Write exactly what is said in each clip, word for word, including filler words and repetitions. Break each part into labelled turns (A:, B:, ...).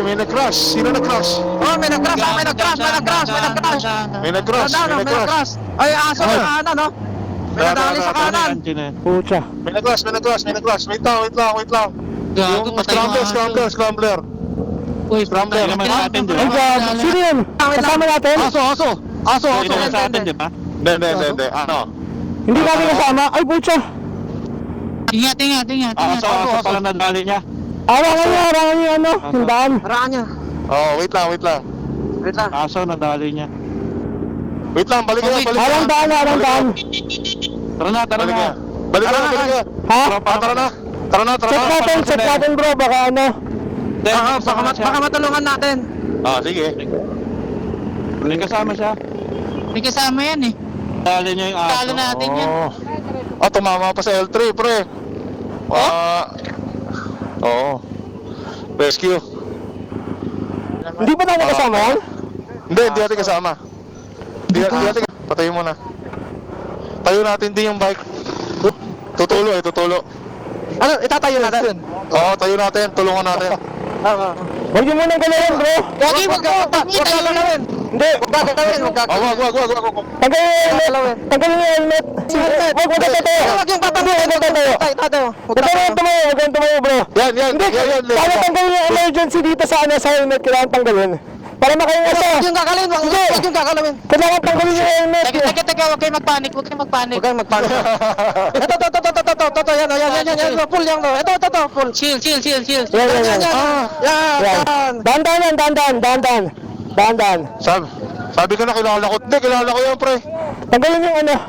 A: may nag-crash. Sino nag-crash?
B: Oh, may nag-crash, ah, may nag-crash, may nag-crash, may nag-crash.
A: May nag-crash,
B: Ano,
A: may
B: may
A: nag-crash.
B: nag-crash. Ay, aso
A: Ay.
B: sa kanan, no? May nadali sa kanan.
C: Pucha.
A: May nag-crash, may nag-crash, may nag-crash. Wait lang, wait lang, wait lang.
D: Gago,
A: Yung
D: patay yung
A: scrambler,
D: aso.
A: scrambler, scrambler.
D: Uy,
A: Scrambler.
D: naman natin, di
C: Ay,
D: ba?
C: God. Sino yun? Kasama natin?
B: Aso, aso. Aso, aso.
D: Ito naman sa atin, di ba?
A: Hindi, hindi, hindi, hindi. Ano?
C: Hindi natin kasama. Ay, pucha.
D: Ingat, ingat, ingat,
A: Ah,
D: ingat.
A: aso, aso pala
D: nadali niya.
C: Arangan niya, arangan niya, ano? Yung daan.
B: Haraan niya.
A: Oh, wait lang, wait lang.
B: Wait lang.
D: Aso, nadali niya.
A: Wait lang, balik ka,
D: Okay.
A: balik ka.
C: Arang daan, arang daan.
D: Tara na, tara
A: Balik
D: na.
A: ka. Balik ka,
B: Tara na,
A: balik ka.
C: Ha?
A: Ah, tara na. Tara na, tara
C: Check
A: na.
C: natin, check natin bro. Baka ano.
B: Ah, baka, mat- baka matulungan natin.
A: Ah, sige.
D: May kasama siya. May kasama yan eh. Dali niya yung aso. Talo natin yan.
A: Oh. Ah, tumama pa sa L three, pre. Ah. Oo. Rescue.
C: Hindi pa natin kasama yan?
A: Hindi, hindi natin kasama. Hindi hindi natin. Patayin mo na. Tayo natin din yung bike. Tutulo eh, tutulo.
B: Ano, itatayo natin.
A: Oo, tayo natin. Tulungan natin.
B: Ah,
C: Huwag niyo munang galawin bro.
B: Wag, wag, wag, wag, wag gagalawin.
C: Hindi.
B: Wag gagalawin, wag
A: Ah,
B: gagalawin.
A: wag, wag, wag, wag, wag.
C: Tanggalin niyo yung helmet. Tanggalin niyo yung helmet.
B: Helmet.
C: Huwag, huwag ka tayo.
B: Wag yung tatayo.
C: Hindi, huwag ka tayo.
B: Tayo, tayo.
C: Huwag kayong tumayo, huwag kayong tumayo bro.
A: Yan, yan,
C: Hindi,
A: yan, yan.
C: para tanggalin yung emergency dito sa ano, sa helmet. Kailangan tanggalin. Para makahinga siya.
B: Wag yung gagalawin, wag
C: Hindi.
B: wag yung gagalawin.
C: Kailangan tanggalin yung helmet.
D: Teka, teka, teka, huwag kayo magpanik, huwag kayo magpanik.
B: Huwag kayong magpanik. Ito, ito, ito, ito, ito, ito, ito, yan, yan, yan, yan, yan, yan, full yan, ito, ito, ito, full.
D: Chill, chill, chill, chill.
C: Yan, yan,
B: Yan,
C: yan.
B: yan,
A: Ah.
B: yan,
C: Yan.
B: yan.
C: Dahan-dahan yan, dahan-dahan, dahan-dahan. Dahan-dahan.
A: Sabi, sabi ko na kilala ko. Hindi, kilala ko yan, pre.
C: Tanggalin yung ano.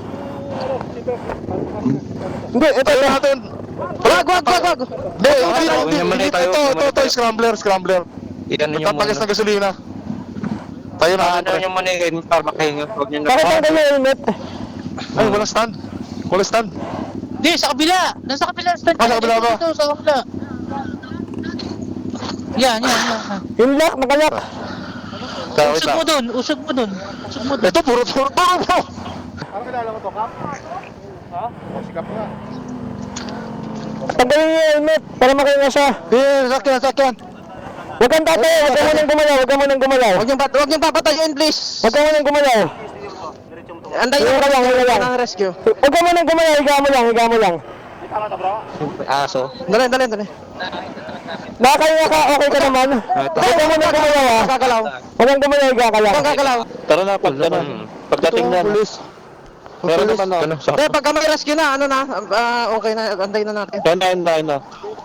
C: Hindi, ito,
A: Tayo
C: ito.
A: natin.
B: Wag, wag, wag, wag.
A: Hindi, hindi,
E: tayo,
A: hindi,
E: muna
A: hindi.
E: tayo,
A: Ito, ito,
E: muna
A: ito,
E: tayo.
A: scrambler, scrambler.
E: Iyan niyo
A: Magtatagas
E: muna.
A: ng gasolina. Tayo natin,
E: Ano
A: pre.
E: niyo muna yun para makahinga. Huwag niyo na.
C: Bakit tanggalin yung helmet?
A: Ay, wala stand. Wala stand.
D: Hindi, sa kabila. Nasa kabila. Stand
A: Ah, sa kabila ba?
D: Dito, sa kabila. Yan, yan, yan.
C: Yung lock, nakalock.
A: Kaya, wait
D: Usog
A: lang.
D: mo dun, usog mo dun. Usog mo dun.
A: Ito, puro, puro, puro, puro.
C: Tanggalin yung helmet para makahinga siya.
B: Eh, sakyan, sakyan.
C: Huwag kang tatayo, huwag kang munang gumalaw, huwag kang munang gumalaw.
B: Wag yung, pat- wag yung papatayin, please.
C: Huwag kang munang gumalaw.
B: Anday
C: Wala lang, wala lang.
B: ng rescue.
C: Huwag kang munang gumalaw, higa mo lang, higa mo lang.
E: Aso.
B: Dali, dali, dali.
C: Nakakahinga ka, okay ka naman. Huwag kang munang gumalaw ha.
B: Gagalaw.
C: Huwag kang gumalaw, higa ka lang.
B: Huwag gagalaw.
A: Tara na, pag, ano, pagdating na. Meron naman, ano, sa...
B: Eh, pagka may rescue na, ano na, ah, okay na, anday na natin.
A: Yan na, yan na, yan na.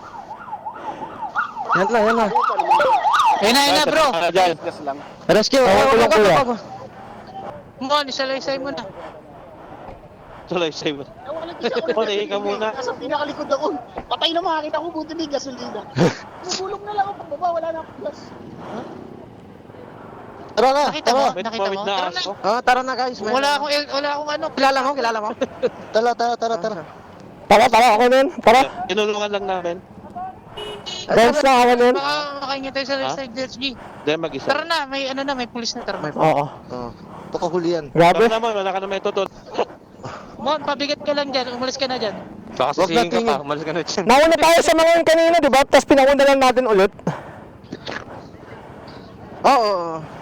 B: Yan na, yan na.
D: Ayun na, ayun na, bro.
A: Ah, dyan.
B: Rescue.
C: Oo,
B: Oh,
C: kulang,
B: wag,
C: kuya.
B: wag, wag.
D: Mo, isalaysay mo na.
A: Tuloy, save. Patayin ka muna.
F: Nasa pinakalikod ako. Patay na makakita ko, buti may gasolina. Bubulong na lang ako pababa, wala na akong gas.
B: Tara na,
D: Nakita mo?
B: tara.
D: Nakita mo? Tara na.
B: Ah, tara na guys. May-
D: Wala akong, wala akong ano.
B: Kilala mo, kilala mo.
A: Tara, tara, tara, tara.
C: Tara, tara, ako nun. Tara.
A: Tinulungan lang namin.
C: Dance lang ako nun.
D: Baka makahingi tayo sa side J S G.
A: Dahil mag-isa.
D: Tara na, may ano na, may pulis na. Tara.
C: Oo.
A: Oh. Pakahuli yan.
C: Grabe.
A: naman, wala ka na may tutol.
D: Mon, pabigat ka lang dyan. Umalis ka na dyan.
E: Baka
A: Huwag
E: sisingin ka
A: natingin.
E: pa. Umalis ka na dyan.
C: Nauna tayo sa mga yun kanina, di ba? Tapos pinauna lang natin ulit.
B: Oo, oo, oo.